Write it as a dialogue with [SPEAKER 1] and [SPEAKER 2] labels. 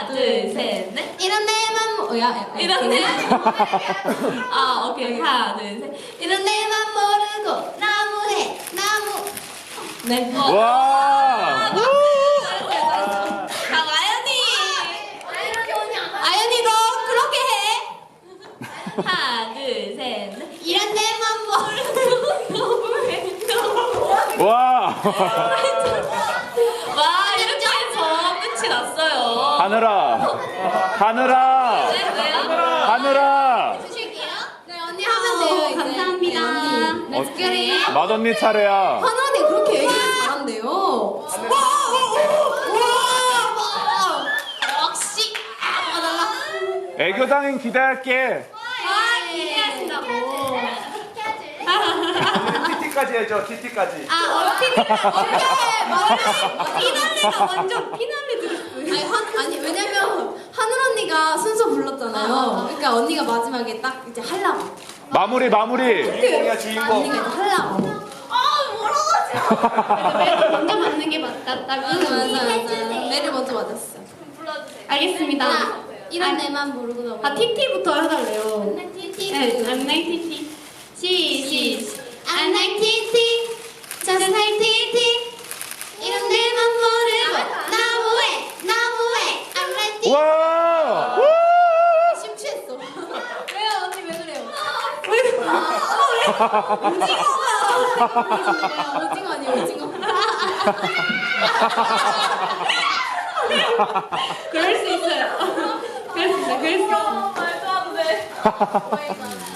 [SPEAKER 1] 둘, 셋, 넷.
[SPEAKER 2] 이런 내맘 뭐야?
[SPEAKER 1] 이런 내. 아, 오케이. 하나, 둘, 셋.
[SPEAKER 2] 이런 내맘 모르고 나무해 나무.
[SPEAKER 1] 네.
[SPEAKER 3] 와!
[SPEAKER 1] 자, 아연이.
[SPEAKER 2] 아연이도 그렇게 해.
[SPEAKER 1] 하나, 둘, 셋, 넷.
[SPEAKER 2] 이런 내맘 모르고.
[SPEAKER 3] 와!
[SPEAKER 1] 와, 이렇게 해서 끝이 났어요.
[SPEAKER 3] 하늘아! 하늘아!
[SPEAKER 1] 네, 왜요?
[SPEAKER 3] 하늘아!
[SPEAKER 2] 주실게요. 네 언니 하면 돼요 이제.
[SPEAKER 1] 감사합니다.
[SPEAKER 2] 네, 언니. 렛츠기릿.
[SPEAKER 3] 맏언니 차례야.
[SPEAKER 2] 하늘 언니 그렇게 얘기 잘한대요. 역시. 달라.
[SPEAKER 3] 애교당인 기대할게.
[SPEAKER 1] 아, 기대하신다고.
[SPEAKER 3] TT까지 해줘, TT까지.
[SPEAKER 1] 아, 피날레가 완전 피날레 들었어요.
[SPEAKER 2] 아니 왜냐면 하늘 언니가 순서 불렀잖아요. 그러니까 언니가 마지막에 딱 이제 하려고.
[SPEAKER 3] 마무리.
[SPEAKER 2] 언니가 이제 하려고.
[SPEAKER 1] 매를 먼저 맞는 게 맞다고.
[SPEAKER 2] 맞아. 매를 먼저 맞았어.
[SPEAKER 1] 알겠습니다.
[SPEAKER 2] 이런 내만 모르고 넘어.
[SPEAKER 1] 아, TT부터 해달래요.
[SPEAKER 2] TT.
[SPEAKER 1] 네, 안녕 TT.
[SPEAKER 2] I'm like TT. Just like TT. 이런 내만 모르고 나무해. I'm like TT.
[SPEAKER 3] 와!
[SPEAKER 2] 심취했어. 왜요 언니 왜 그래요? 오징어 아니에요 오징어.
[SPEAKER 1] 그럴 수 있어요. 그럴 수 있어요.
[SPEAKER 2] 말도 안 돼.